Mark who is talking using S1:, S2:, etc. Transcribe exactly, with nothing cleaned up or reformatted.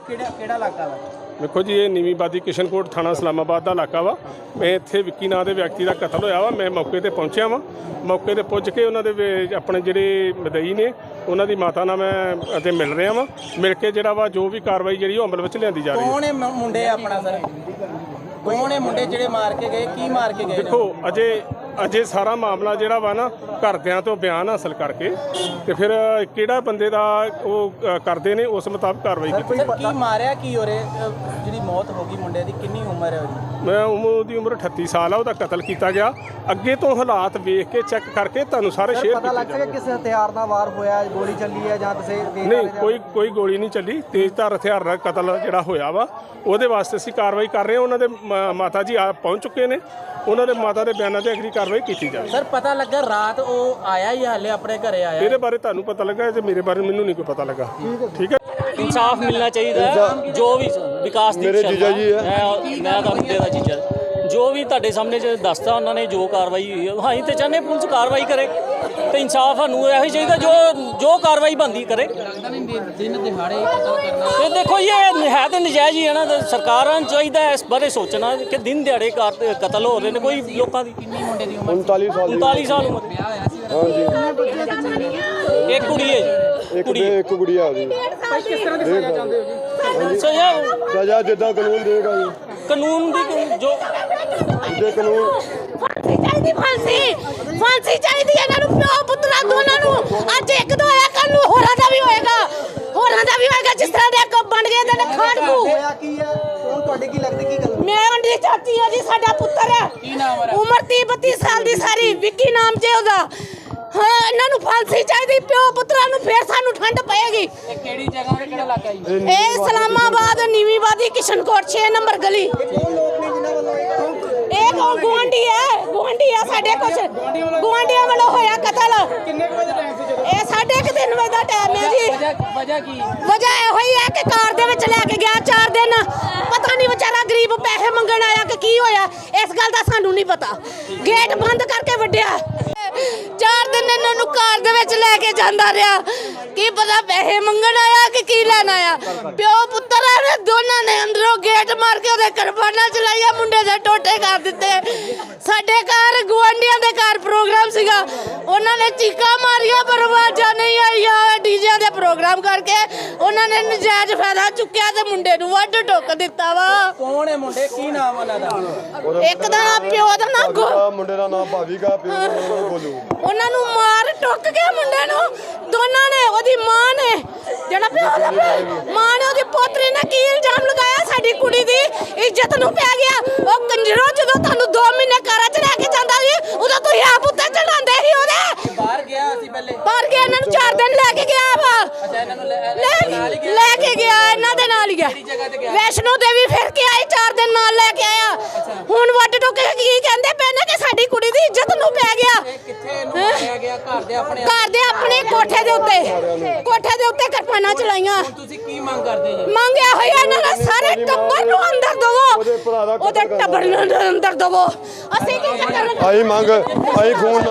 S1: ਕਿਹੜਾ ਕਿਹੜਾ ਇਲਾਕਾ ਵਾ?
S2: देखो जी ये नीवी बादी किशनकोट थाना इस्लामाबाद का इलाका वा। मैं इत्थे विक्की नाम के व्यक्ति का कतल होया वा। मैं मौके पर पहुंचा वा। मौके पर पुज के उन्होंने अपने जिहड़े मदई ने उन्हों की माता नाल मैं अते मिल रहा वा। मिल के जिहड़ा वा जो भी कार्रवाई जिहड़ी अमल विच लिआंदी जा रही है।
S1: कौन है मुंडे अपना सर? कौन है मुंडे जिहड़े मार के गए, की मार के गए?
S2: देखो अजे अजे सारा मामला जिहड़ा वा ना घरदियां तो बयान हासिल करके ते फिर किहड़ा बंदे दा वो करदे ने उस मुताबिक कार्रवाई की।
S1: की मारिया की हो रहे जिहड़ी मौत हो गई मुंडे दी, कितनी उम्र है उसदी?
S2: मैं उम्र दी उम्र अठत्ती साल है। उसका कतल किया गया। अगे तो हालात वेख के चैक करके तुहानूं सारे शेयर
S3: पता लग सके किस हथियार नाल वार होया, गोली चली है जां किसे
S2: नहीं कोई कोई गोली नहीं चली। तेज धार हथियार नाल कतल जिहड़ा होया वा ਉਹਦੇ ਵਾਸਤੇ ਅਸੀਂ ਕਾਰਵਾਈ ਕਰ ਰਹੇ ਹਾਂ। ਉਹਨਾਂ ਦੇ ਮਾਤਾ ਜੀ ਆ ਪਹੁੰਚ ਚੁੱਕੇ ਨੇ। ਉਹਨਾਂ ਦੇ ਮਾਤਾ ਦੇ ਬਿਆਨਾਂ ਤੇ ਅਗਲੀ ਕਾਰਵਾਈ ਕੀਤੀ ਜਾਵੇ।
S1: ਸਰ ਪਤਾ ਲੱਗਾ ਰਾਤ ਉਹ ਆਇਆ ਹੀ ਹਾਲੇ ਆਪਣੇ ਘਰੇ ਆਇਆ?
S2: ਇਹਦੇ ਬਾਰੇ ਤੁਹਾਨੂੰ ਪਤਾ ਲੱਗਾ ਤੇ ਮੇਰੇ ਬਾਰੇ ਮੈਨੂੰ ਨਹੀਂ ਕੋਈ ਪਤਾ ਲੱਗਾ। ਠੀਕ ਹੈ
S4: इंसाफ मिलना चाहिए। जो भी विकास दी
S5: मेरे जीजा जी है,
S4: मैं मैं ਤਾਂ ਮੁੰਡੇ ਦਾ ਜੀਜਾ ਜੋ ਵੀ ਤੁਹਾਡੇ ਸਾਹਮਣੇ ਜੇ ਦੱਸਦਾ ਉਹਨਾਂ ਨੇ ਜੋ ਕਾਰਵਾਈ ਹੋਈ ਹੈ ਹਾਂ ਤੇ ਚਾਹਨੇ ਪੁਲਿਸ ਕਾਰਵਾਈ ਕਰੇ ਤੇ ਇਨਸਾਫ ਸਾਨੂੰ ਇਹੋ ਹੀ ਚਾਹੀਦਾ ਜੋ ਜੋ ਕਾਰਵਾਈ ਬੰਦੀ ਕਰੇ।
S1: ਦਿਨ ਦਿਹਾੜੇ ਕਤਲ ਕਰਨਾ
S4: ਤੇ ਦੇਖੋ ਇਹ ਹੈ ਤੇ ਨਜਾਇਜ਼ ਹੀ ਹੈ ਨਾ। ਸਰਕਾਰਾਂ ਨੂੰ ਚਾਹੀਦਾ ਇਸ ਬਾਰੇ ਸੋਚਣਾ ਕਿ ਦਿਨ ਦਿਹਾੜੇ ਕਤਲ ਹੋ ਰਹੇ ਨੇ। ਕੋਈ ਲੋਕਾਂ ਦੀ
S1: ਕਿੰਨੀ ਮੁੰਡੇ ਦੀ ਉਮਰ?
S5: ਉਨਤਾਲੀ ਸਾਲ ਦੀ
S4: ਉਨਤਾਲੀ ਸਾਲ ਉਮਰ।
S1: ਵਿਆਹ ਹੋਇਆ ਸੀ?
S4: ਇੱਕ ਕੁੜੀ ਹੈ ਜੀ।
S5: ਇੱਕ ਬੇ ਇੱਕ ਗੁੜੀਆ ਉਹਦੀ।
S1: ਕਿਸ ਤਰ੍ਹਾਂ ਦੀ ਸਜ਼ਾ ਚਾਹੁੰਦੇ ਹੋ ਜੀ?
S4: ਸੋ ਇਹ
S5: ਸਜ਼ਾ ਜਿੱਦਾਂ ਕਾਨੂੰਨ ਦੇਗਾ ਜੀ,
S4: ਕਾਨੂੰਨ ਦੀ ਜੋ
S5: ਜੇ ਕਾਨੂੰਨ
S6: ਫਾਂਸੀ ਚਾਹੀਦੀ, ਫਾਂਸੀ ਫਾਂਸੀ ਚਾਹੀਦੀ ਇਹਨਾਂ ਨੂੰ, ਪਿਓ ਪੁੱਤਰਾਂ ਦੋਨਾਂ ਨੂੰ। ਅੱਜ ਇੱਕ ਦੋ ਹੋਇਆ, ਕੱਲ ਨੂੰ ਹੋਰਾਂ ਦਾ ਵੀ ਹੋਏਗਾ, ਹੋਰਾਂ ਦਾ ਵੀ ਹੋਏਗਾ। ਜਿਸ ਤਰ੍ਹਾਂ ਦੇ ਇੱਕ ਬਣ ਗਏ ਤੇ ਖਾੜਕੂ।
S3: ਹੋਇਆ ਕੀ ਹੈ? ਕੌਣ ਤੁਹਾਡੇ ਕੀ ਲੱਗਦਾ ਕੀ ਗੱਲ?
S6: ਮੈਂ ਉਹਦੀ ਚਾਚੀ ਆ ਜੀ, ਸਾਡਾ ਪੁੱਤਰ ਹੈ।
S1: ਕੀ ਨਾਮ ਹੈ?
S6: ਉਮਰ ਤੀਹ ਬੱਤੀ ਸਾਲ ਦੀ ਸਾਰੀ, ਵਿੱਕੀ ਨਾਮ ਜੇ ਉਹਦਾ। ਹਾਂ ਇਹਨਾਂ ਨੂੰ ਫਾਂਸੀ ਚਾਹੀਦੀ, ਪਿਓ ਪੁੱਤਰਾਂ ਨੂੰ, ਫੇਰ ਸਾਨੂੰ ਠੰਡ ਪਏਗੀ।
S1: ਇਹ ਕਿਹੜੀ ਜਗ੍ਹਾ ਤੇ ਕਿਹੜਾ ਇਲਾਕਾ ਜੀ?
S6: ਇਹ ਇਸਲਾਮਾਬਾਦ ਨੀਵੀਂ ਬਾਦੀ ਕਿਸ਼ਨਕੋਟ ਛੇ ਨੰਬਰ ਗਲੀ।
S3: ਕੌਣ ਲੋਕ ਨੇ ਜਿਨ੍ਹਾਂ ਵੱਲੋਂ ਇਹ
S6: ਇਹ ਕੋ ਗੁਆਂਢੀ ਹੈ, ਗੁਆਂਢੀ ਆ ਸਾਡੇ ਕੁਛ ਗੁਆਂਢੀਆਂ ਵੱਲੋਂ ਹੋਇਆ ਕਤਲ।
S1: ਕਿੰਨੇ ਕੁ ਵਜੇ ਟਾਈਮ ਸੀ ਜਦੋਂ?
S6: ਇਹ ਸਾਢੇ ਕੁ ਤਿੰਨ ਵਜੇ ਦਾ ਟਾਈਮ ਹੈ ਜੀ।
S1: ਵਜ੍ਹਾ ਵਜ੍ਹਾ ਕੀ?
S6: ਵਜ੍ਹਾ ਇਹੋ ਹੀ ਹੈ ਕਿ ਕਾਰ ਦੇ ਵਿੱਚ ਲੈ ਕੇ ਗਿਆ ਚਾਰ ਦਿਨ। ਪਤਾ ਨਹੀਂ ਵਿਚਾਰਾ ਗਰੀਬ ਪੈਸੇ ਮੰਗਣ ਆਇਆ ਕਿ ਕੀ ਹੋਇਆ, ਇਸ ਗੱਲ ਦਾ ਸਾਨੂੰ ਨਹੀਂ ਪਤਾ। ਗੇਟ ਬੰਦ ਕਰਕੇ ਵੱਢਿਆ। ਚਾਰ ਦਿਨ ਇਹਨਾਂ ਨੂੰ ਕਾਰ ਦੇ ਵਿੱਚ ਲੈ ਕੇ ਜਾਂਦਾ ਰਿਹਾ। ਕੀ ਪਤਾ ਪੈਸੇ ਮੰਗਣ ਆਇਆ ਕਿ ਕੀ ਲੈਣ ਆਇਆ। ਪਿਓ ਪੁੱਤਰ ਨੇ ਦੋਨਾਂ ਨੇ ਅੰਦਰੋਂ ਗੇਟ ਮਾਰ ਕੇ ਉਹਦੇ ਕਿਰਪਾਨਾਂ ਚਲਾਈਆਂ, ਮੁੰਡੇ ਦੇ ਟੋਟੇ ਕਰ ਦਿੱਤੇ। ਸਾਡੇ ਘਰ ਗੁਆਂਢੀਆਂ ਦੇ ਘਰ ਪ੍ਰੋਗਰਾਮ ਸੀਗਾ, ਉਹਨਾਂ ਨੇ ਚੀਕਾਂ ਮਾਰੀਆਂ ਪਰ ਆਵਾਜ਼ਾਂ ਨਹੀਂ ਆਈਆਂ। ਡੀਜੇ ਦੇ ਪ੍ਰੋਗਰਾਮ ਕਰਕੇ ਉਹਨਾਂ ਨੇ ਨਜਾਇਜ਼ ਫਾਇਦਾ ਚੁੱਕਿਆ ਤੇ ਮੁੰਡੇ ਨੂੰ ਵੱਢ ਟੋਕ ਦਿੱਤਾ ਵਾ।
S1: ਕੌਣ ਹੈ ਮੁੰਡੇ? ਕੀ ਨਾਮ ਉਹਨਾਂ ਦਾ?
S6: ਇੱਕ ਦਾ ਨਾਂ ਪਿਓ ਦਾ ਨਾਂ ਗੋ
S5: ਭਾਵੀਗਾ, ਮੁੰਡੇ ਦਾ ਨਾਮ ਭਾਵੀਗਾ, ਪਿਓ ਦਾ ਨਾਮ ਬੋਲੂ।
S6: ਉਹਨਾਂ ਨੂੰ ਮਾਰ ਟੁੱਕ ਗਿਆ ਮੁੰਡੇ ਨੂੰ ਦੋਨਾਂ ਨੇ। ਉਹਦੀ ਮਾਂ ਨੇ ਜਿਹੜਾ ਪਿਓ ਦਾ ਪਿਓ- ਮਾਂ ਨੇ ਉਹਦੀ ਪੋਤਰੀ ਨੇ ਕੀ ਇਲਜ਼ਾਮ ਲਗਾਇਆ, ਸਾਡੀ ਕੁੜੀ ਦੀ ਇੱਜ਼ਤ ਨੂੰ ਪੈ ਗਿਆ। ਉਹ ਕੰਜਰੋ ਜਦੋਂ ਤੁਹਾਨੂੰ ਦੋ ਮਹੀਨੇ ਘਰਾਂ 'ਚ ਰਹਿ ਕੇ ਜਾਂਦਾ ਸੀ ਉਦੋਂ ਤੁਸੀਂ ਆਪ ਉੱਤੇ ਚੜਾਉਂਦੇ ਸੀ ਉਹਦੇ।
S1: ਬਾਹਰ ਗਿਆ ਸੀ ਪਹਿਲੇ?
S6: ਬਾਹਰ ਗਿਆ, ਇਹਨਾਂ ਨੂੰ ਚਾਰ ਦਿਨ ਲੈ ਕੇ ਗਿਆ ਵਾ।
S1: ਅੱਛਾ ਇਹਨਾਂ ਨੂੰ ਲੈ
S6: ਲੈ
S1: ਨਾਲ ਹੀ ਗਿਆ?
S6: ਲੈ ਕੇ ਗਿਆ, ਇਹਨਾਂ ਦੇ ਨਾਲ ਹੀ ਗਿਆ।
S1: ਕਿਹੜੀ ਜਗ੍ਹਾ ਤੇ ਗਿਆ?
S6: ਵੈਸ਼ਨੋ ਦੇਵੀ ਫਿਰ ਕੇ ਆਏ, ਚਾਰ ਦਿਨ ਨਾਲ ਲੈ ਕੇ ਆਇਆ। ਹੁਣ ਵੱਡ ਟੁੱਕ ਕੇ ਕੀ ਕਹਿੰਦੇ ਪਏ ਨੇ ਕਿ ਸਾਡੀ ਕੁੜੀ ਦੀ ਇੱਜ਼ਤ ਨੂੰ ਪੈ ਗਿਆ।
S1: ਇਹ ਕਿੱਥੇ ਇਹਨੂੰ ਮਾਰਿਆ ਗਿਆ? ਘਰ ਦੇ ਆਪਣੇ?
S6: ਘਰ ਦੇ ਆਪਣੇ ਕੋਠੇ ਦੇ ਉੱਤੇ, ਕੋਠੇ ਦੇ ਉੱਤੇ ਕਿਰਪਾਨਾਂ ਚਲਾਈਆਂ।
S1: ਹੁਣ ਤੁਸੀਂ ਕੀ ਮੰਗ ਕਰਦੇ ਜੀ?
S6: ਮੰਗਿਆ ਹੋਇਆ ਇਹਨਾਂ ਦਾ ਸਾਰੇ ਟੱਬਰ ਨੂੰ ਅੰਦਰ ਦਵੋ,
S5: ਉਹਦੇ ਭਰਾ ਦਾ
S6: ਉਹਦੇ ਟੱਬਰ ਨੂੰ ਅੰਦਰ ਦਵੋ। ਅਸੀਂ ਕੀ ਕਰਨਾ?
S5: ਆਈ ਮੰਗ ਆਈ ਫੋਨ